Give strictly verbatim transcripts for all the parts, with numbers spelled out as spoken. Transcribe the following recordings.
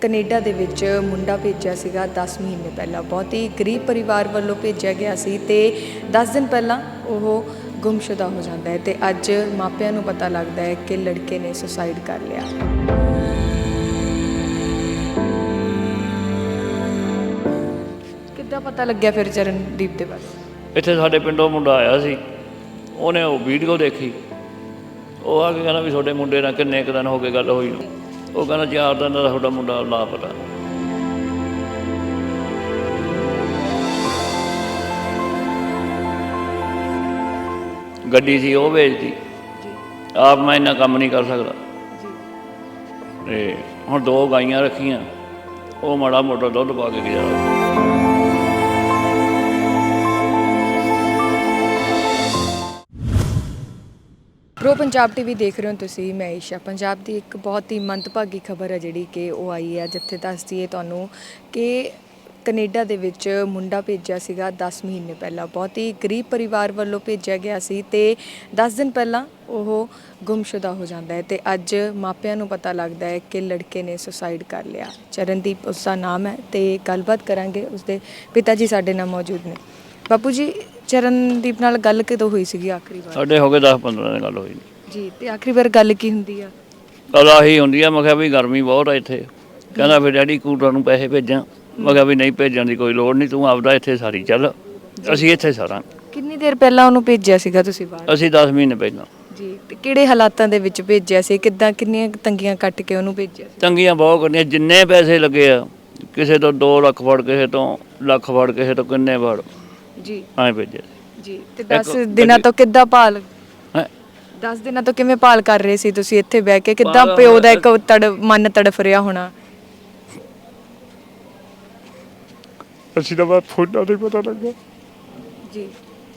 Canada ਦੇ ਵਿੱਚ ਮੁੰਡਾ ਭੇਜਿਆ ਸੀਗਾ ਦਸ ਮਹੀਨੇ ਪਹਿਲਾਂ। ਬਹੁਤ ਹੀ ਗਰੀਬ ਪਰਿਵਾਰ ਵੱਲੋਂ ਭੇਜਿਆ ਗਿਆ ਸੀ ਤੇ ਦਸ ਦਿਨ ਪਹਿਲਾਂ ਉਹ ਗੁੰਮਸ਼ੁਦਾ ਹੋ ਜਾਂਦਾ ਹੈ ਤੇ ਅੱਜ ਮਾਪਿਆਂ ਨੂੰ ਪਤਾ ਲੱਗਦਾ ਹੈ ਕਿ ਲੜਕੇ ਨੇ ਸੁਸਾਈਡ ਕਰ ਲਿਆ। ਕਿੱਦਾਂ ਪਤਾ ਲੱਗਿਆ ਫਿਰ ਚਰਨਦੀਪ ਦੇ ਬਾਰੇ? ਇੱਥੇ ਸਾਡੇ ਪਿੰਡੋਂ ਮੁੰਡਾ ਆਇਆ ਸੀ, ਉਹਨੇ ਉਹ ਵੀਡੀਓ ਦੇਖੀ। ਉਹ ਆ ਕੇ ਕਹਿੰਦਾ ਵੀ ਤੁਹਾਡੇ ਮੁੰਡੇ ਨਾਲ ਕਿੰਨੇ ਕੁ ਦਿਨ ਹੋ ਗਏ ਗੱਲ ਹੋਈ ਨੂੰ। ਉਹ ਕਹਿੰਦਾ ਚਾਰ ਦਿਨ ਦਾ ਤੁਹਾਡਾ ਮੁੰਡਾ ਲਾਪਤਾ। ਗੱਡੀ ਸੀ ਉਹ ਵੇਚਦੀ, ਆਪ ਮੈਂ ਇੰਨਾ ਕੰਮ ਨਹੀਂ ਕਰ ਸਕਦਾ ਤੇ ਹੁਣ ਦੋ ਗਾਈਆਂ ਰੱਖੀਆਂ, ਉਹ ਮਾੜਾ ਮੋਟਾ ਦੁੱਧ ਪਾ ਕੇ ਗਿਆ। ਪ੍ਰੋ ਪੰਜਾਬ ਟੀਵੀ ਦੇਖ ਰਹੇ ਹੋ ਤੁਸੀਂ। ਮੈਂ ਈਸ਼ਾ। ਪੰਜਾਬ ਦੀ ਇੱਕ ਬਹੁਤ ਹੀ ਮੰਦਭਾਗੀ ਖਬਰ ਹੈ ਜਿਹੜੀ ਕਿ ਉਹ ਆਈ ਹੈ, ਜਿੱਥੇ ਦੱਸ ਦਈਏ ਤੁਹਾਨੂੰ ਕਿ ਕੈਨੇਡਾ ਦੇ ਵਿੱਚ ਮੁੰਡਾ ਭੇਜਿਆ ਸੀਗਾ ਦਸ ਮਹੀਨੇ ਪਹਿਲਾਂ। ਬਹੁਤ ਹੀ ਗਰੀਬ ਪਰਿਵਾਰ ਵੱਲੋਂ ਭੇਜਿਆ ਗਿਆ ਸੀ ਤੇ ਦਸ ਦਿਨ ਪਹਿਲਾਂ ਉਹ ਗੁੰਮਸ਼ੁਦਾ ਹੋ ਜਾਂਦਾ ਹੈ ਤੇ ਅੱਜ ਮਾਪਿਆਂ ਨੂੰ ਪਤਾ ਲੱਗਦਾ ਹੈ ਕਿ ਲੜਕੇ ਨੇ ਸੁਸਾਈਡ ਕਰ ਲਿਆ। ਚਰਨਦੀਪ ਉਸਦਾ ਨਾਮ ਹੈ ਤੇ ਗੱਲਬਾਤ ਕਰਾਂਗੇ। ਉਸਦੇ ਪਿਤਾ ਜੀ ਸਾਡੇ ਨਾਲ ਮੌਜੂਦ ਨੇ। ਬਾਪੂ ਜੀ, ਚਰਨਦੀਪ ਨਾਲ ਗੱਲ ਕਦੋਂ ਹੋਈ ਸੀਗੀ ਆਖਰੀ ਵਾਰ? ਸਾਡੇ ਹੋ ਗਏ ਦਸ ਪੰਦਰਾਂ ਦਿਨ ਗੱਲ ਹੋਈ ਜੀ। ਤੇ ਆਖਰੀ ਵਾਰ ਗੱਲ ਕੀ ਹੁੰਦੀ ਆ? ਗੱਲ ਆਹੀ ਹੁੰਦੀ ਆ, ਮੈਂ ਕਿਹਾ ਵੀ ਗਰਮੀ ਬਹੁਤ ਆ ਇੱਥੇ। ਕਹਿੰਦਾ ਫਿਰ ਡੈਡੀ ਕੂਟਰ ਨੂੰ ਪੈਸੇ ਭੇਜਾਂ। ਮੈਂ ਕਿਹਾ ਵੀ ਨਹੀਂ, ਭੇਜਣ ਦੀ ਕੋਈ ਲੋੜ ਨਹੀਂ, ਤੂੰ ਆਪਦਾ ਇੱਥੇ ਸਾਰੀ ਚੱਲ, ਅਸੀਂ ਇੱਥੇ ਸਾਰਾਂ। ਕਿੰਨੀ ਦੇਰ ਪਹਿਲਾਂ ਉਹਨੂੰ ਭੇਜਿਆ ਸੀਗਾ ਤੁਸੀਂ ਬਾਹਰ? ਅਸੀਂ ਦਸ ਮਹੀਨੇ ਪਹਿਲਾਂ। ਜੀ। ਤੇ ਕਿਹੜੇ ਹਾਲਾਤਾਂ ਦੇ ਵਿੱਚ ਭੇਜਿਆ ਸੀ? ਕਿੱਦਾਂ, ਕਿੰਨੀਆਂ ਤੰਗੀਆਂ ਕੱਟ ਕੇ ਉਹਨੂੰ ਭੇਜਿਆ ਸੀ? ਤੰਗੀਆਂ ਬਹੁਤ ਕਰਨੀਆਂ, ਜਿੰਨੇ ਪੈਸੇ ਲੱਗੇ ਆ, ਕਿਸੇ ਤੋਂ ਦੋ ਲੱਖ ਫੜ, ਕਿਸੇ ਤੋਂ ਲੱਖ ਫੜ, ਕਿਸੇ ਤੋਂ ਕਿੰਨੇ ਫੜ ਜੀ ਐਂ ਭੇਜਿਆ ਜੀ। ਤੇ ਦਸ ਦਿਨਾਂ ਤੋਂ ਕਿੱਦਾਂ ਭਾਲ ਹੈ? ਦਸ ਦਿਨਾਂ ਤੋਂ ਕਿਵੇਂ ਭਾਲ ਕਰ ਰਹੇ ਸੀ ਤੁਸੀਂ ਇੱਥੇ ਬਹਿ ਕੇ? ਕਿੱਦਾਂ ਪਿਓ ਦਾ ਇੱਕ ਤੜ ਮਨ ਤੜਫ ਰਿਹਾ ਹੋਣਾ? ਅਸੀਂ ਤਾਂ ਬਾਅਦ ਫੋਟੋ ਤੇ ਪਤਾ ਲੱਗਾ ਜੀ।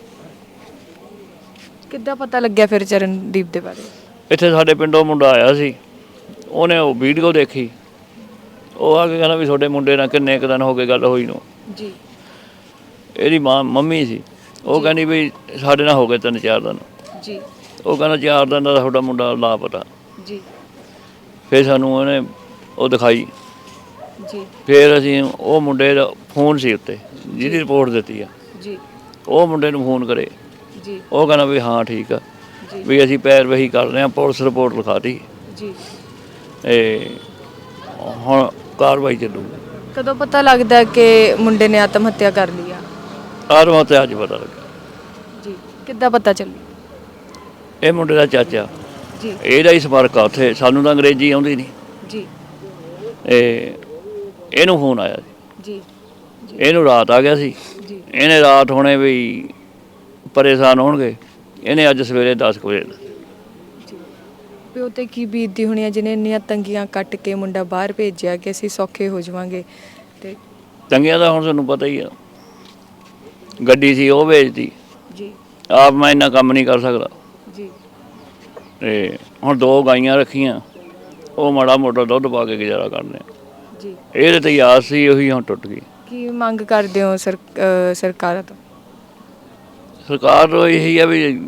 ਕਿੱਦਾਂ ਪਤਾ ਲੱਗਿਆ ਫਿਰ ਚਰਨਦੀਪ ਦੇ ਬਾਰੇ? ਇੱਥੇ ਸਾਡੇ ਪਿੰਡੋਂ ਮੁੰਡਾ ਆਇਆ ਸੀ, ਉਹਨੇ ਉਹ ਵੀਡੀਓ ਦੇਖੀ। ਉਹ ਆ ਕੇ ਕਹਿੰਦਾ ਵੀ ਤੁਹਾਡੇ ਮੁੰਡੇ ਨਾਲ ਕਿੰਨੇ ਕੁ ਦਿਨ ਹੋ ਗਏ ਗੱਲ ਹੋਈ ਨੂੰ। ਜੀ। ਇਹਦੀ ਮਾਂ ਮੰਮੀ ਸੀ, ਉਹ ਕਹਿੰਦੀ ਵੀ ਸਾਡੇ ਨਾਲ ਹੋ ਗਏ ਤਿੰਨ ਚਾਰ ਦਿਨ। ਜੀ। ਉਹ ਕਹਿੰਦਾ ਚਾਰ ਦਿਨ ਦਾ ਤੁਹਾਡਾ ਮੁੰਡਾ ਲਾਪਤਾ। ਜੀ। ਫਿਰ ਸਾਨੂੰ ਉਹਨੇ ਉਹ ਦਿਖਾਈ। ਜੀ। ਫਿਰ ਅਸੀਂ ਉਹ ਮੁੰਡੇ ਦਾ ਫੋਨ ਸੀ ਉੱਤੇ ਜਿਹਦੀ ਰਿਪੋਰਟ ਦਿੱਤੀ ਆ, ਜੀ, ਉਹ ਮੁੰਡੇ ਨੂੰ ਫੋਨ ਕਰੇ। ਜੀ। ਉਹ ਕਹਿੰਦਾ ਵੀ ਹਾਂ ਠੀਕ ਆ, ਵੀ ਅਸੀਂ ਪੈਰਵਾਈ ਕਰ ਰਹੇ ਹਾਂ, ਪੁਲਿਸ ਰਿਪੋਰਟ ਲਿਖਾਤੀ ਜੀ। ਇਹ ਹੁਣ ਕਾਰਵਾਈ ਚੱਲੂਗੀ। ਕਦੋਂ ਪਤਾ ਲੱਗਦਾ ਕਿ ਮੁੰਡੇ ਨੇ ਆਤਮ ਹੱਤਿਆ ਕਰ ਲਈ ਆ? ਆਤਮ ਹੱਤਿਆ ਅੱਜ ਪਤਾ ਲੱਗਾ। ਜੀ। ਕਿੱਦਾਂ ਪਤਾ ਚੱਲੀ? ਇਹ ਮੁੰਡੇ ਦਾ ਚਾਚਾ, ਜੀ, ਇਹਦਾ ਹੀ ਸੰਪਰਕ ਆ ਉੱਥੇ, ਸਾਨੂੰ ਤਾਂ ਅੰਗਰੇਜ਼ੀ ਆਉਂਦੀ ਨਹੀਂ। ਜੀ। ਇਹ ਇਹਨੂੰ ਫੋਨ ਆਇਆ ਸੀ। ਜੀ। ਇਹਨੂੰ ਰਾਤ ਆ ਗਿਆ ਸੀ। ਜੀ। ਇਹਨੇ ਰਾਤ ਹੋਣੇ ਵੀ ਪਰੇਸ਼ਾਨ ਹੋਣਗੇ, ਇਹਨੇ ਅੱਜ ਸਵੇਰੇ ਦਸ ਕੁ ਵਜੇ ਪਿਓ ਤੇ ਕੀ ਬੀਤਦੀ ਹੋਣੀ ਆ ਜਿਹਨੇ ਇੰਨੀਆਂ ਤੰਗੀਆਂ ਕੱਟ ਕੇ ਮੁੰਡਾ ਬਾਹਰ ਭੇਜਿਆ ਕਿ ਅਸੀਂ ਸੌਖੇ ਹੋ ਜਾਵਾਂਗੇ। ਤੇ ਤੰਗੀਆਂ ਦਾ ਹੁਣ ਤੁਹਾਨੂੰ ਪਤਾ ਹੀ ਆ, ਗੱਡੀ ਸੀ ਉਹ ਵੇਚਦੀ, ਜੀ, ਆਪ ਮੈਂ ਇੰਨਾ ਕੰਮ ਨਹੀਂ ਕਰ ਸਕਦਾ ਜੀ। ਤੇ ਹੁਣ ਦੋ ਗਾਈਆਂ ਰੱਖੀਆਂ, ਉਹ ਮਾੜਾ ਮੋਟਾ ਦੁੱਧ ਪਾ ਕੇ ਗੁਜ਼ਾਰਾ ਕਰਦੇ ਜੀ। ਇਹਦੇ ਤੇ ਆਸ ਸੀ, ਉਹੀ ਹੁਣ ਟੁੱਟ ਗਈ। ਕੀ ਮੰਗ ਕਰਦੇ ਹੋ ਸਰ ਅ, ਸਰਕਾਰਾਂ ਤੋਂ? ਸਰਕਾਰ ਨੂੰ ਇਹੀ ਆ ਵੀ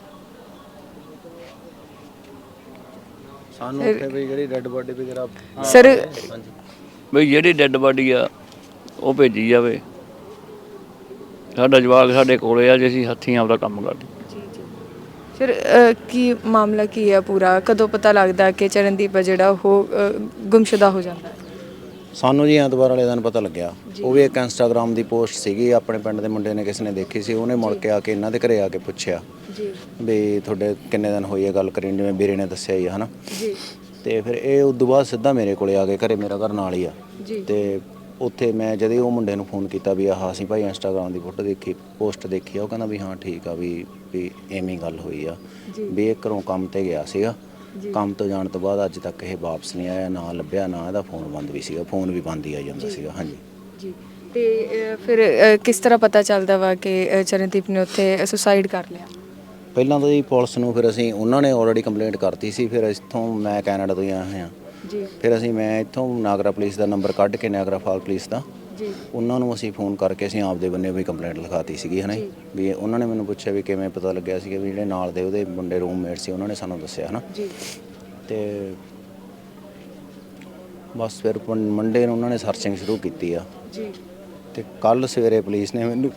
ਸਾਨੂੰ ਉੱਥੇ ਵੀ ਜਿਹੜੀ ਡੈੱਡ ਬਾਡੀ ਵਗੈਰਾ ਸਰ, ਬਈ ਜਿਹੜੀ ਡੈੱਡ ਬਾਡੀ ਆ ਉਹ ਭੇਜੀ ਜਾਵੇ। ਸਾਡਾ ਜਵਾਕ ਸਾਡੇ ਕੋਲੇ ਆ, ਜੇ ਅਸੀਂ ਹੱਥੀਂ ਆਪਦਾ ਕੰਮ ਕਰਦੇ। ਜੀ, ਜੀ। ਫਿਰ ਅ, ਕੀ ਮਾਮਲਾ ਕੀ ਹੈ ਪੂਰਾ? ਕਦੋਂ ਪਤਾ ਲੱਗਦਾ ਕਿ ਚਰਨਦੀਪ ਆ ਜਿਹੜਾ ਉਹ ਅ, ਗੁੰਮਸ਼ੁਦਾ ਹੋ ਜਾਂਦਾ ਹੈ? ਸਾਨੂੰ ਜੀ ਐਤਵਾਰ ਵਾਲੇ ਦਿਨ ਪਤਾ ਲੱਗਿਆ। ਉਹ ਵੀ ਇੱਕ ਇੰਸਟਾਗ੍ਰਾਮ ਦੀ ਪੋਸਟ ਸੀਗੀ, ਆਪਣੇ ਪਿੰਡ ਦੇ ਮੁੰਡੇ ਨੇ ਕਿਸੇ ਨੇ ਦੇਖੀ ਸੀ। ਉਹਨੇ ਮੁੜ ਕੇ ਆ ਕੇ ਇਹਨਾਂ ਦੇ ਘਰੇ ਆ ਕੇ ਪੁੱਛਿਆ ਜੀ ਵੀ ਤੁਹਾਡੇ ਕਿੰਨੇ ਦਿਨ ਹੋਈ ਹੈ ਗੱਲ ਕਰੀ, ਜਿਵੇਂ ਵੀਰੇ ਨੇ ਦੱਸਿਆ ਹੀ ਹੈ ਨਾ। ਜੀ। ਤੇ ਫਿਰ ਇਹ ਉਸ ਤੋਂ ਬਾਅਦ ਸਿੱਧਾ ਮੇਰੇ ਕੋਲੇ ਆ ਕੇ ਘਰੇ, ਮੇਰਾ ਘਰ ਨਾਲ ਹੀ ਆ। ਜੀ। ਤੇ ਉੱਥੇ ਮੈਂ ਜਦੋਂ ਉਹ ਮੁੰਡੇ ਨੂੰ ਫੋਨ ਕੀਤਾ ਵੀ ਆਹ ਅਸੀਂ ਭਾਈ ਇੰਸਟਾਗ੍ਰਾਮ ਦੀ ਫੋਟੋ ਦੇਖੀ, ਪੋਸਟ ਦੇਖੀ ਆ, ਉਹ ਕਹਿੰਦਾ ਵੀ ਹਾਂ ਠੀਕ ਆ, ਵੀ ਵੀ ਐਵੇਂ ਗੱਲ ਹੋਈ ਆ, ਵੀ ਇਹ ਘਰੋਂ ਕੰਮ ਤੇ ਗਿਆ ਸੀਗਾ। ਕੰਮ ਤੋਂ ਜਾਣ ਤੋਂ ਬਾਅਦ ਅੱਜ ਤੱਕ ਇਹ ਵਾਪਸ ਨਹੀਂ ਆਇਆ, ਨਾ ਲੱਭਿਆ, ਨਾ ਇਹਦਾ ਫੋਨ ਬੰਦ ਵੀ ਸੀਗਾ, ਫੋਨ ਵੀ ਬੰਦ ਹੀ ਆ ਜਾਂਦਾ ਸੀਗਾ। ਹਾਂਜੀ ਜੀ। ਤੇ ਅ, ਫਿਰ ਅ, ਕਿਸ ਤਰ੍ਹਾਂ ਪਤਾ ਚੱਲਦਾ ਵਾ ਕਿ ਅ, ਚਰਨਦੀਪ ਨੇ ਉੱਥੇ ਸੁਸਾਈਡ ਕਰ ਲਿਆ? ਪਹਿਲਾਂ ਤਾਂ ਜੀ ਪੁਲਿਸ ਨੂੰ ਫਿਰ ਅਸੀਂ, ਉਹਨਾਂ ਨੇ ਆਲਰੇਡੀ ਕੰਪਲੇਂਟ ਕਰਤੀ ਸੀ। ਫਿਰ ਇੱਥੋਂ ਮੈਂ ਕੈਨੇਡਾ ਤੋਂ ਹੀ ਆਇਆ ਹੋਇਆ ਜੀ। ਫਿਰ ਅਸੀਂ ਮੈਂ ਇੱਥੋਂ ਨਾਗਰਾ ਪੁਲਿਸ ਦਾ ਨੰਬਰ ਕੱਢ ਕੇ, ਨਾਗਰਾ ਫਾਲ ਪੁਲਿਸ ਦਾ, ਜੀ, ਉਹਨਾਂ ਨੂੰ ਅਸੀਂ ਫੋਨ ਕਰਕੇ ਅਸੀਂ ਆਪਦੇ ਬੰਨੇ ਵੀ ਕੰਪਲੇਂਟ ਲਿਖਾਤੀ ਸੀਗੀ ਹੈ ਨਾ। ਵੀ ਉਹਨਾਂ ਨੇ ਮੈਨੂੰ ਪੁੱਛਿਆ ਵੀ ਕਿਵੇਂ ਪਤਾ ਲੱਗਿਆ ਸੀਗਾ, ਵੀ ਜਿਹੜੇ ਨਾਲ ਦੇ ਉਹਦੇ ਮੁੰਡੇ ਰੂਮਮੇਟ ਸੀ ਉਹਨਾਂ ਨੇ ਸਾਨੂੰ ਦੱਸਿਆ ਹੈ ਨਾ। ਜੀ। ਤੇ ਬਸ ਫਿਰ ਪੰ- ਮੰਡੇ ਨੂੰ ਉਹਨਾਂ ਨੇ ਸਰਚਿੰਗ ਸ਼ੁਰੂ ਕੀਤੀ ਆ ਜੀ ਤੇ ਕੱਲ ਸਵੇਰੇ ਪੁਲਿਸ ਨੇ ਮੈਨੂੰ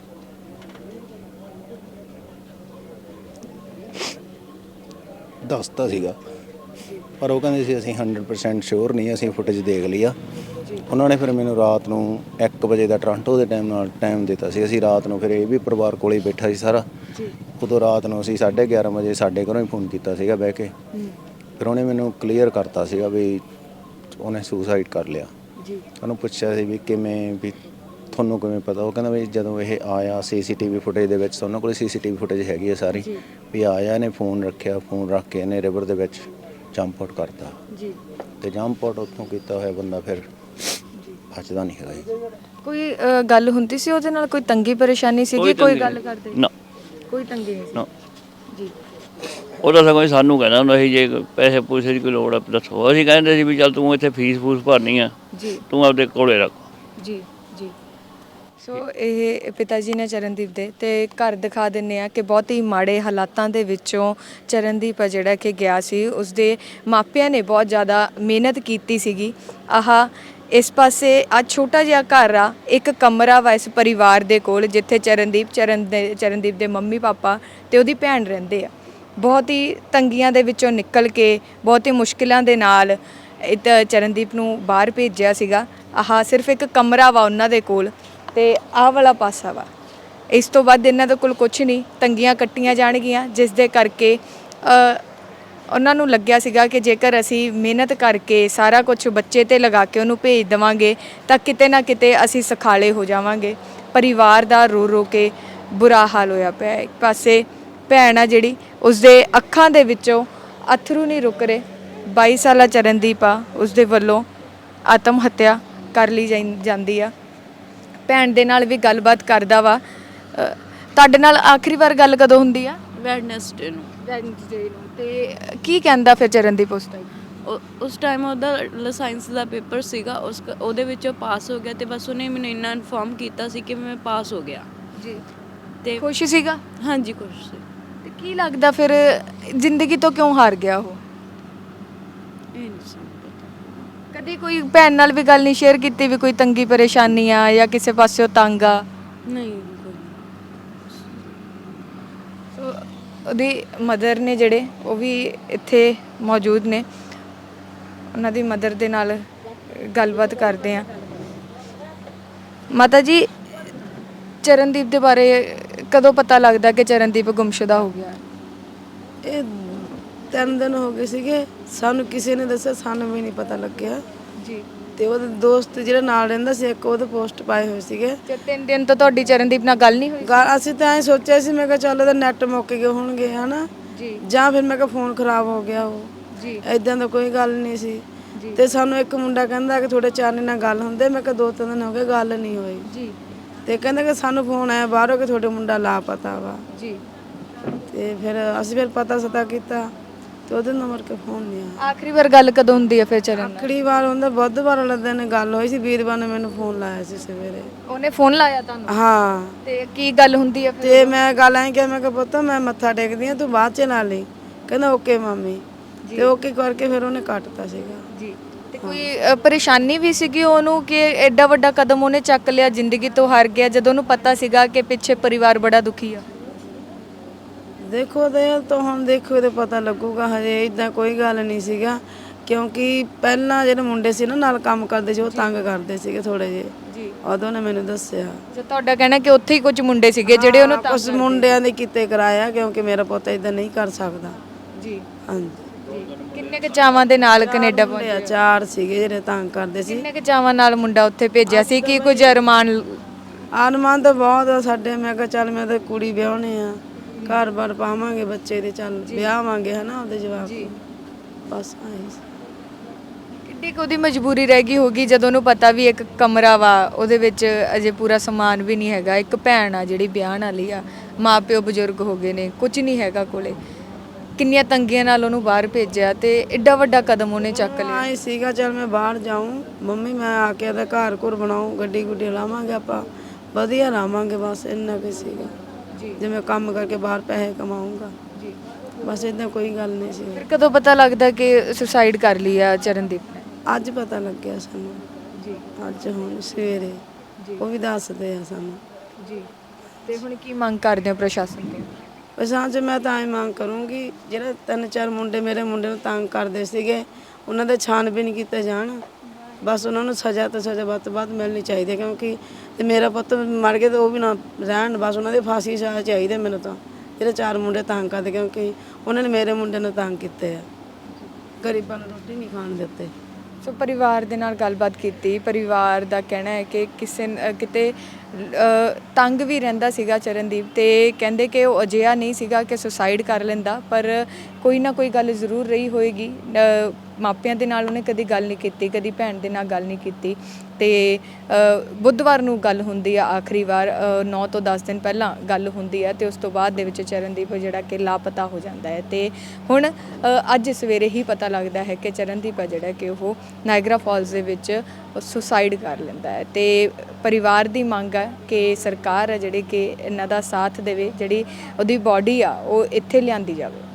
ਦੱਸਤਾ ਸੀਗਾ, ਪਰ ਉਹ ਕਹਿੰਦੇ ਸੀ ਅਸੀਂ ਹੰਡਰਡ ਪਰਸੈਂਟ ਸ਼ੋਰ ਨਹੀਂ, ਅਸੀਂ ਫੁਟੇਜ ਦੇਖ ਲਈ ਆ। ਉਹਨਾਂ ਨੇ ਫਿਰ ਮੈਨੂੰ ਰਾਤ ਨੂੰ ਇੱਕ ਵਜੇ ਦਾ ਟੋਰਾਂਟੋ ਦੇ ਟਾਈਮ ਨਾਲ ਟਾਈਮ ਦਿੱਤਾ ਸੀ। ਅਸੀਂ ਰਾਤ ਨੂੰ ਫਿਰ ਇਹ ਵੀ ਪਰਿਵਾਰ ਕੋਲੇ ਹੀ ਬੈਠਾ ਸੀ ਸਾਰਾ। ਉਦੋਂ ਰਾਤ ਨੂੰ ਅਸੀਂ ਸਾਢੇ ਗਿਆਰਾਂ ਵਜੇ ਸਾਡੇ ਘਰੋਂ ਹੀ ਫੋਨ ਕੀਤਾ ਸੀਗਾ ਬਹਿ ਕੇ। ਫਿਰ ਉਹਨੇ ਮੈਨੂੰ ਕਲੀਅਰ ਕਰਤਾ ਸੀਗਾ ਵੀ ਉਹਨੇ ਸੁਸਾਈਡ ਕਰ ਲਿਆ। ਉਹਨੂੰ ਪੁੱਛਿਆ ਸੀ ਵੀ ਕਿਵੇਂ, ਵੀ ਤੁਹਾਨੂੰ ਕਿਵੇਂ ਪਤਾ? ਉਹ ਕਹਿੰਦਾ ਵੀ ਜਦੋਂ ਇਹ ਆਇਆ ਸੀਸੀਟੀਵੀ ਫੁਟੇਜ ਦੇ ਵਿੱਚ, ਉਹਨਾਂ ਕੋਲ ਸੀਸੀਟੀਵੀ ਫੁਟੇਜ ਹੈਗੀ ਆ ਸਾਰੀ, ਵੀ ਆਇਆ ਇਹਨੇ ਫੋਨ ਰੱਖਿਆ, ਫੋਨ ਰੱਖ ਕੇ ਇਹਨੇ ਰਿਵਰ ਦੇ ਵਿੱਚ ਜੰਪ ਆਊਟ ਕਰਤਾ ਜੀ। ਤੇ ਜੰਪ ਆਊਟ ਉੱਥੋਂ ਕੀਤਾ ਹੋਇਆ ਬੰਦਾ ਫਿਰ ਬਚਦਾ ਨਹੀਂ ਹੈਗਾ ਜੀ। ਕੋਈ ਅ, ਗੱਲ ਹੁੰਦੀ ਸੀ ਉਹਦੇ ਨਾਲ? ਕੋਈ ਤੰਗੀ ਪਰੇਸ਼ਾਨੀ ਸੀਗੀ? ਕੋਈ ਤੰਗੀ ਗੱਲ ਨਹੀਂ। ਕਰਦੇ? ਨਾ ਕੋਈ ਤੰਗੀ ਨਹੀਂ ਸੀ ਨਾ ਜੀ। ਉਹਦਾ ਸਗੋਂ ਸਾਨੂੰ ਕਹਿੰਦਾ ਹੁੰਦਾ ਸੀ ਜੇ ਪੈਸੇ ਪੂਸੇ ਦੀ ਕੋਈ ਲੋੜ ਆ ਦੱਸੋ। ਅਸੀਂ ਕਹਿੰਦੇ ਸੀ ਵੀ ਚੱਲ ਤੂੰ ਇੱਥੇ ਫੀਸ ਫੂਸ ਭਰਨੀ ਆ, ਜੀ ਤੂੰ ਆਪਦੇ ਕੋਲੇ ਰੱਖ। ਜੀ ਜੀ ਸੋ ਇਹ ਪਿਤਾ ਜੀ ਨੇ ਚਰਨਦੀਪ ਦੇ, ਤੇ ਘਰ ਦਿਖਾ ਦਿੰਨੇ ਆ ਕਿ ਬਹੁਤ ਹੀ ਮਾੜੇ ਹਾਲਾਤਾਂ ਦੇ ਵਿੱਚੋਂ ਚਰਨਦੀਪ ਆ ਜਿਹੜਾ ਕਿ ਗਿਆ ਸੀ। ਉਸਦੇ ਮਾਪਿਆਂ ਨੇ ਬਹੁਤ ਜ਼ਿਆਦਾ ਮਿਹਨਤ ਕੀਤੀ ਸੀਗੀ। ਆਹ ਇਸ ਪਾਸੇ ਆ ਛੋਟਾ ਜਿਹਾ ਘਰ ਆ, ਇੱਕ ਕਮਰਾ ਵਾ ਇਸ ਪਰਿਵਾਰ ਦੇ ਕੋਲ, ਜਿੱਥੇ ਚਰਨਦੀਪ ਚਰਨ ਦੇ ਚਰਨਦੀਪ ਦੇ ਮੰਮੀ ਪਾਪਾ ਤੇ ਉਹਦੀ ਭੈਣ ਰਹਿੰਦੇ ਆ। ਬਹੁਤ ਹੀ ਤੰਗੀਆਂ ਦੇ ਵਿੱਚੋਂ ਨਿਕਲ ਕੇ, ਬਹੁਤ ਹੀ ਮੁਸ਼ਕਿਲਾਂ ਦੇ ਨਾਲ ਇਹ ਤਾਂ ਚਰਨਦੀਪ ਨੂੰ ਬਾਹਰ ਭੇਜਿਆ ਸੀਗਾ। ਆਹ ਸਿਰਫ ਇੱਕ ਕਮਰਾ ਵਾ ਉਹਨਾਂ ਦੇ ਕੋਲ, ਤੇ ਆਹ ਵਾਲਾ ਪਾਸਾ ਵਾ। ਇਸ ਤੋਂ ਬਾਅਦ ਇਹਨਾਂ ਦੇ ਕੋਲ ਕੁਝ ਨਹੀਂ, ਤੰਗੀਆਂ ਕੱਟੀਆਂ ਜਾਣਗੀਆਂ, ਜਿਸ ਦੇ ਕਰਕੇ ਅ, ਉਹਨਾਂ ਨੂੰ ਲੱਗਿਆ ਸੀਗਾ ਕਿ ਜੇਕਰ ਅਸੀਂ ਮਿਹਨਤ ਕਰਕੇ ਸਾਰਾ ਕੁਝ ਬੱਚੇ 'ਤੇ ਲਗਾ ਕੇ ਉਹਨੂੰ ਭੇਜ ਦੇਵਾਂਗੇ ਤਾਂ ਕਿਤੇ ਨਾ ਕਿਤੇ ਅਸੀਂ ਸਖਾਲੇ ਹੋ ਜਾਵਾਂਗੇ। ਪਰਿਵਾਰ ਦਾ ਰੋ ਰੋ ਕੇ ਬੁਰਾ ਹਾਲ ਹੋਇਆ ਪਿਆ। ਇੱਕ ਪਾਸੇ ਭੈਣ ਆ ਜਿਹੜੀ, ਉਸਦੇ ਅੱਖਾਂ ਦੇ ਵਿੱਚੋਂ ਅਥਰੂ ਨਹੀਂ ਰੁਕ ਰਹੇ। ਬਾਈ ਸਾਲਾ ਚਰਨਦੀਪ ਆ, ਉਸਦੇ ਵੱਲੋਂ ਆਤਮ ਹੱਤਿਆ ਕਰ ਲਈ ਜਾਈ- ਜਾਂਦੀ ਆ। ਭੈਣ ਦੇ ਨਾਲ ਵੀ ਗੱਲਬਾਤ ਕਰਦਾ ਵਾ। ਅ, ਤੁਹਾਡੇ ਨਾਲ ਆਖਰੀ ਵਾਰ ਗੱਲ ਕਦੋਂ ਹੁੰਦੀ ਆ? ਵੈਡਨਸਡੇ ਨੂੰ। ਵੈਡਨਸਡੇ ਨੂੰ। ਤੇ ਕੀ ਕਹਿੰਦਾ ਫਿਰ ਚਰਨਦੀਪ ਉਸ ਟਾਈਮ? ਉਹ- ਉਸ ਟਾਈਮ ਉਹਦਾ ਸਾਇੰਸ ਦਾ ਪੇਪਰ ਸੀਗਾ, ਉਸ ਉਹਦੇ ਵਿੱਚ ਉਹ ਪਾਸ ਹੋ ਗਿਆ, ਤੇ ਬਸ ਉਹਨੇ ਮੈਨੂੰ ਇੰਨਾ ਇਨਫੋਰਮ ਕੀਤਾ ਸੀ ਕਿ ਮੈਂ ਪਾਸ ਹੋ ਗਿਆ। ਜੀ ਤੇ ਖੁਸ਼ ਸੀਗਾ? ਹਾਂਜੀ ਖੁਸ਼ ਸੀ। ਤੇ ਕੀ ਲੱਗਦਾ ਫਿਰ ਜ਼ਿੰਦਗੀ ਤੋਂ ਕਿਉਂ ਹਾਰ ਗਿਆ ਉਹ? ਇਹ ਨਹੀਂ ਸਾਨੂੰ ਪਤਾ। ਕਦੀ ਕੋਈ ਭੈਣ ਨਾਲ ਵੀ ਗੱਲ ਨਹੀਂ ਸ਼ੇਅਰ ਕੀਤੀ ਵੀ ਕੋਈ ਤੰਗੀ ਪਰੇਸ਼ਾਨੀ ਆ ਜਾਂ ਕਿਸੇ ਪਾਸਿਓਂ ਤੰਗ ਆ? ਨਹੀਂ ਕੋਈ ਨਹੀਂ। ਸੋ ਉਹਦੀ ਮਦਰ ਨੇ ਜਿਹੜੇ, ਉਹ ਵੀ ਇੱਥੇ ਮੌਜੂਦ ਨੇ। ਉਹਨਾਂ ਦੀ ਮਦਰ ਦੇ ਨਾਲ ਗੱਲਬਾਤ ਕਰਦੇ ਆ। ਮਾਤਾ ਜੀ, ਚਰਨਦੀਪ ਦੇ ਬਾਰੇ ਕਦੋਂ ਪਤਾ ਲੱਗਦਾ ਕਿ ਚਰਨਦੀਪ ਗੁੰਮਸ਼ੁਦਾ ਹੋ ਗਿਆ? ਇਹ ਤਿੰਨ ਦਿਨ ਹੋ ਗਏ ਸੀਗੇ, ਸਾਨੂੰ ਕਿਸੇ ਨੇ ਦੱਸਿਆ, ਸਾਨੂੰ ਵੀ ਨਹੀਂ ਪਤਾ ਲੱਗਿਆ ਜੀ। ਤੇ ਉਹਦੇ ਦੋਸਤ ਜਿਹੜਾ ਨਾਲ ਰਹਿੰਦਾ ਸੀ ਇੱਕ, ਉਹਦੇ ਪੋਸਟ ਪਾਏ ਹੋਏ ਸੀਗੇ। ਤੇ ਤਿੰਨ ਦਿਨ ਤੋਂ ਤੁਹਾਡੀ ਚਰਨਦੀਪ ਨਾਲ ਗੱਲ ਨਹੀਂ ਹੋਈ? ਗੱਲ ਅਸੀਂ ਤਾਂ ਐਂ ਸੋਚਿਆ ਸੀ, ਮੈਂ ਕਿਹਾ ਚੱਲ ਇਹਦਾ ਨੈਟ ਮੁੱਕ ਗਏ ਹੋਣਗੇ ਹਨਾ, ਜੀ ਜਾਂ ਫਿਰ ਮੈਂ ਕਿਹਾ ਫੋਨ ਖਰਾਬ ਹੋ ਗਿਆ ਉਹ, ਜੀ ਐਦਾਂ ਦਾ ਕੋਈ ਗੱਲ ਨਹੀਂ ਸੀ। ਤੇ ਸਾਨੂੰ ਇੱਕ ਮੁੰਡਾ ਕਹਿੰਦਾ ਕਿ ਤੁਹਾਡੇ ਚਾਨੇ ਨਾਲ ਗੱਲ ਹੁੰਦੇ। ਮੈਂ ਕਿਹਾ ਦੋ ਤਿੰਨ ਦਿਨ ਹੋ ਗਏ ਗੱਲ ਨਹੀਂ ਹੋਈ ਜੀ ਤੇ ਕਹਿੰਦਾ ਕਿ ਸਾਨੂੰ ਫੋਨ ਆਇਆ ਬਾਹਰੋਂ ਕਿ ਤੁਹਾਡੇ ਮੁੰਡਾ ਲਾਪਤਾ ਵਾ। ਜੀ ਤੇ ਫਿਰ ਅਸੀਂ ਫਿਰ ਪਤਾ ਸਤਾ ਕੀਤਾ ਤੇ ਉਹਦੇ ਨੰਬਰ ਕੇ ਫੋਨ ਨਹੀਂ ਆਇਆ। ਆਖਰੀ ਵਾਰ ਗੱਲ ਕਦੋਂ ਹੁੰਦੀ ਹੈ ਫਿਰ ਚਰਨ ਨਾਲ? ਆਖਰੀ ਵਾਰ ਹੁੰਦਾ ਬੁੱਧਵਾਰ ਵਾਲੇ ਦਿਨ ਗੱਲ ਹੋਈ ਸੀ, ਵੀਰਵਾਰ ਨੇ ਮੈਨੂੰ ਫੋਨ ਲਾਇਆ ਸੀ ਸਵੇਰੇ। ਉਹਨੇ ਫੋਨ ਲਾਇਆ ਤੁਹਾਨੂੰ? ਹਾਂ। ਤੇ ਕੀ ਗੱਲ ਹੁੰਦੀ ਹੈ ਫਿਰ? ਤੇ ਮੈਂ ਗੱਲ ਐਂ ਕਿਹਾ, ਮੈਂ ਕਿਹਾ ਪੁੱਤ ਮੈਂ ਮੱਥਾ ਟੇਕਦੀ ਆ, ਤੂੰ ਬਾਅਦ ਚ ਲਾ ਲਈ। ਕਹਿੰਦਾ ਓਕੇ ਮਾਮੀ। ਤੇ ਓਕੇ ਕਰਕੇ ਫਿਰ ਉਹਨੇ ਕੱਟਤਾ ਸੀਗਾ ਜੀ। ਤੇ ਕੋਈ ਅ, ਪਰੇਸ਼ਾਨੀ ਵੀ ਸੀਗੀ ਉਹਨੂੰ ਕਿ ਐਡਾ ਵੱਡਾ ਕਦਮ ਉਹਨੇ ਚੱਕ ਲਿਆ, ਜ਼ਿੰਦਗੀ ਤੋਂ ਹਾਰ ਗਿਆ, ਜਦੋਂ ਉਹਨੂੰ ਪਤਾ ਸੀਗਾ ਕਿ ਪਿੱਛੇ ਪਰਿਵਾਰ ਬੜਾ ਦੁਖੀ ਆ? ਦੇਖੋ ਤੇ ਤਾਂ ਹੁਣ ਦੇਖੋ ਤੇ ਪਤਾ ਲੱਗੂਗਾ, ਹਜੇ ਇਦਾਂ ਕੋਈ ਗੱਲ ਨਹੀਂ ਸੀਗਾ। ਕਿਉਂਕਿ ਪਹਿਲਾਂ ਜਿਹੜੇ ਮੁੰਡੇ ਸੀ ਨਾ ਨਾਲ ਕੰਮ ਕਰਦੇ ਸੀ, ਉਹ ਤੰਗ ਕਰਦੇ ਸੀਗੇ ਥੋੜੇ ਜਿਹੇ। ਜੀ। ਉਦੋਂ ਨੇ ਮੈਨੂੰ ਦੱਸਿਆ। ਜੇ ਤੁਹਾਡਾ ਕਹਿਣਾ ਕਿ ਉੱਥੇ ਹੀ ਕੁਝ ਮੁੰਡੇ ਸੀਗੇ ਜਿਹੜੇ ਉਹਨੂੰ ਤੰਗ ਕੁਝ ਮੁੰਡਿਆਂ ਦੇ ਕੀਤੇ ਕਰਾਇਆ, ਕਿਉਂਕਿ ਮੇਰਾ ਪੁੱਤ ਇਦਾਂ ਨਹੀਂ ਕਰ ਸਕਦਾ। ਜੀ ਹਾਂਜੀ। ਕਿੰਨੇ ਕੁ ਚਾਵਾਂ ਦੇ ਨਾਲ ਕੈਨੇਡਾ ਮੁੰਡੇ ਪਹੁੰਚਿਆ? ਆ, ਚਾਰ ਸੀਗੇ ਜਿਹੜੇ ਤੰਗ ਕਰਦੇ ਸੀ। ਕਿੰਨੇ ਕੁ ਚਾਵਾਂ ਨਾਲ ਮੁੰਡਾ ਉੱਥੇ ਭੇਜਿਆ ਸੀ ਕਿ ਕੁਝ ਅਰਮਾਨ? ਆਨਮਾਨ ਤਾਂ ਬਹੁਤ ਆ ਸਾਡੇ। ਮੈਂ ਕਿਹਾ ਚੱਲ ਮੈਂ ਤਾਂ ਕੁੜੀ ਵਿਆਹਣੇ ਆ, ਘਰ-ਬਾਰ ਪਾਵਾਂਗੇ ਬੱਚੇ ਦੇ, ਚੱਲ ਵਿਆਹਾਂਗੇ ਹਨਾ ਉਹਦੇ ਜਵਾਬ। ਜੀ ਬਸ ਆਹੀ ਸੀ। ਕਿੱਡੀ ਕੁ ਉਹਦੀ ਮਜਬੂਰੀ ਰਹਿ ਗਈ ਹੋਗੀ ਜਦੋਂ ਉਹਨੂੰ ਪਤਾ ਵੀ ਇੱਕ ਕਮਰਾ ਵਾ, ਉਹਦੇ ਵਿੱਚ ਅਜੇ ਪੂਰਾ ਸਮਾਨ ਵੀ ਨਹੀਂ ਹੈਗਾ, ਇੱਕ ਭੈਣ ਆ ਜਿਹੜੀ ਵਿਆਹਣ ਵਾਲੀ ਆ, ਮਾਂ ਪਿਓ ਬਜ਼ੁਰਗ ਹੋ ਗਏ ਨੇ, ਕੁਝ ਨਹੀਂ ਹੈਗਾ ਕੋਲੇ। ਕਿੰਨੀਆਂ ਤੰਗੀਆਂ ਨਾਲ ਉਹਨੂੰ ਬਾਹਰ ਭੇਜਿਆ ਤੇ ਐਡਾ ਵੱਡਾ ਕਦਮ ਉਹਨੇ ਚੱਕ ਲਿਆ। ਆਏ ਸੀਗਾ ਚੱਲ ਮੈਂ ਬਾਹਰ ਜਾਊਂ, ਮੰਮੀ ਮੈਂ ਆ ਕੇ ਇਹਦਾ ਘਰ ਘੁਰ ਬਣਾऊं, ਗੱਡੀ ਗੁੱਡੀ ਲਾਵਾਂਗੇ, ਆਪਾਂ ਵਧੀਆ ਲਾਵਾਂਗੇ, ਬਸ ਇੰਨਾ ਕੁ ਸੀਗਾ। ਜੀ ਜਿਵੇਂ ਕੰਮ ਕਰਕੇ ਬਾਹਰ ਪੈਸੇ ਕਮਾਊਂਗਾ। ਜੀ ਬਸ ਇਦਾਂ ਕੋਈ ਗੱਲ ਨਹੀਂ ਸੀ। ਫਿਰ ਕਦੋਂ ਪਤਾ ਲੱਗਦਾ ਕਿ ਸੁਸਾਈਡ ਕਰ ਲਈ ਆ ਚਰਨਦੀਪ ਨੇ? ਅੱਜ ਪਤਾ ਲੱਗਿਆ ਸਾਨੂੰ ਜੀ ਅੱਜ ਹੁਣ ਸਵੇਰੇ ਜੀ ਉਹ ਵੀ ਦੱਸਦੇ ਆ ਸਾਨੂੰ। ਜੀ ਤੇ ਹੁਣ ਕੀ ਮੰਗ ਕਰਦੇ ਹੋ ਪ੍ਰਸ਼ਾਸਨ ਤੋਂ? ਪਛਾਣ 'ਚ ਮੈਂ ਤਾਂ ਇਹ ਮੰਗ ਕਰੂੰਗੀ, ਜਿਹੜੇ ਤਿੰਨ ਚਾਰ ਮੁੰਡੇ ਮੇਰੇ ਮੁੰਡੇ ਨੂੰ ਤੰਗ ਕਰਦੇ ਸੀਗੇ ਉਹਨਾਂ ਦੇ ਛਾਣਬੀਣ ਕੀਤੇ ਜਾਣ। ਬਸ ਉਹਨਾਂ ਨੂੰ ਸਜ਼ਾ ਤੋਂ ਸਜ਼ਾ ਵੱਧ ਤੋਂ ਵੱਧ ਮਿਲਣੀ ਚਾਹੀਦੀ ਹੈ, ਕਿਉਂਕਿ ਤੇ ਮੇਰਾ ਪੁੱਤ ਮਰ ਗਿਆ ਤੇ ਉਹ ਵੀ ਨਾ ਰਹਿਣ, ਬਸ ਉਹਨਾਂ ਦੇ ਫਾਂਸੀ ਸਜ਼ਾ ਚਾਹੀਦੀ ਮੈਨੂੰ ਤਾਂ। ਜਿਹੜੇ ਚਾਰ ਮੁੰਡੇ ਤੰਗ ਕਰਦੇ, ਕਿਉਂਕਿ ਉਹਨਾਂ ਨੇ ਮੇਰੇ ਮੁੰਡੇ ਨੂੰ ਤੰਗ ਕੀਤੇ ਆ, ਗਰੀਬਾਂ ਨੂੰ ਰੋਟੀ ਨਹੀਂ ਖਾਣ ਦਿੱਤੇ। ਸੋ ਪਰਿਵਾਰ ਦੇ ਨਾਲ ਗੱਲਬਾਤ ਕੀਤੀ। ਪਰਿਵਾਰ ਦਾ ਕਹਿਣਾ ਹੈ ਕਿ ਕਿਸੇ ਨ- ਅ, ਕਿਤੇ ਅ, ਤੰਗ ਵੀ ਰਹਿੰਦਾ ਸੀਗਾ ਚਰਨਦੀਪ, ਤੇ ਕਹਿੰਦੇ ਕਿ ਉਹ ਅਜਿਹਾ ਨਹੀਂ ਸੀਗਾ ਕਿ ਸੁਸਾਈਡ ਕਰ ਲੈਂਦਾ, ਪਰ ਕੋਈ ਨਾ ਕੋਈ ਗੱਲ ਜ਼ਰੂਰ ਰਹੀ ਹੋਏਗੀ। ਅ, ਮਾਪਿਆਂ ਦੇ ਨਾਲ ਉਹਨੇ ਕਦੀ ਗੱਲ ਨਹੀਂ ਕੀਤੀ, ਕਦੀ ਭੈਣ ਦੇ ਨਾਲ ਗੱਲ ਨਹੀਂ ਕੀਤੀ। ਤੇ ਅ, ਬੁੱਧਵਾਰ ਨੂੰ ਗੱਲ ਹੁੰਦੀ ਆ ਆਖਰੀ ਵਾਰ, ਨੌ ਤੋਂ ਦਸ ਦਿਨ ਪਹਿਲਾਂ ਗੱਲ ਹੁੰਦੀ ਹੈ, ਤੇ ਉਸ ਤੋਂ ਬਾਅਦ ਦੇ ਵਿੱਚ ਚਰਨਦੀਪ ਜਿਹੜਾ ਕਿ ਲਾਪਤਾ ਹੋ ਜਾਂਦਾ ਹੈ। ਤੇ ਹੁਣ ਅ, ਅੱਜ ਸਵੇਰੇ ਹੀ ਪਤਾ ਲੱਗਦਾ ਹੈ ਕਿ ਚਰਨਦੀਪ ਆ ਜਿਹੜਾ ਕਿ ਉਹ ਨਾਇਗਰਾ ਫਾਲਸ ਦੇ ਵਿੱਚ ਸੁਸਾਈਡ ਕਰ ਲੈਂਦਾ ਹੈ। ਤੇ ਪਰਿਵਾਰ ਦੀ ਮੰਗ ਹੈ ਕਿ ਸਰਕਾਰ ਹੈ ਜਿਹੜੀ ਕਿ ਇਹਨਾਂ ਦਾ ਸਾਥ ਦੇਵੇ, ਜਿਹੜੀ ਉਹਦੀ ਬਾਡੀ ਆ ਉਹ ਇੱਥੇ ਲਿਆਂਦੀ ਜਾਵੇ।